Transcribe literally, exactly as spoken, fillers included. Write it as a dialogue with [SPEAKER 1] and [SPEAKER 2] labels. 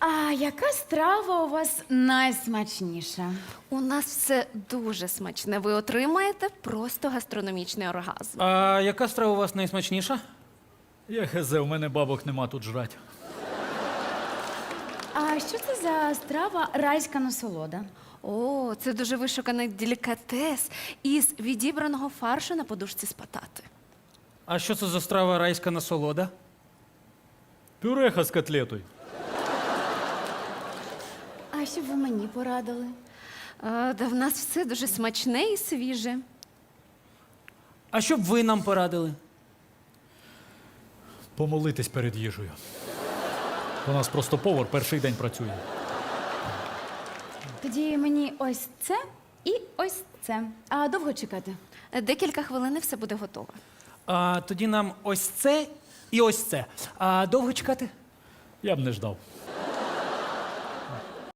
[SPEAKER 1] А яка страва у вас найсмачніша?
[SPEAKER 2] У нас все дуже смачне. Ви отримаєте просто гастрономічний оргазм.
[SPEAKER 3] А яка страва у вас найсмачніша?
[SPEAKER 4] Я хезе, у мене бабок нема тут жрать.
[SPEAKER 1] А що це за страва райська насолода?
[SPEAKER 2] О, це дуже вишуканий делікатес із відібраного фаршу на подушці з патати.
[SPEAKER 3] А що це за страва райська насолода?
[SPEAKER 4] Пюреха з котлетою.
[SPEAKER 1] А що б ви мені порадили?
[SPEAKER 2] Е, да в нас все дуже смачне і свіже.
[SPEAKER 3] А що б ви нам порадили?
[SPEAKER 4] Помолитись перед їжею. У нас просто повар перший день працює.
[SPEAKER 1] Тоді мені ось це і ось це. А довго чекати?
[SPEAKER 2] Е, Декілька хвилин і все буде готово.
[SPEAKER 3] А тоді нам ось це і ось це. А довго чекати?
[SPEAKER 4] Я б не ждав.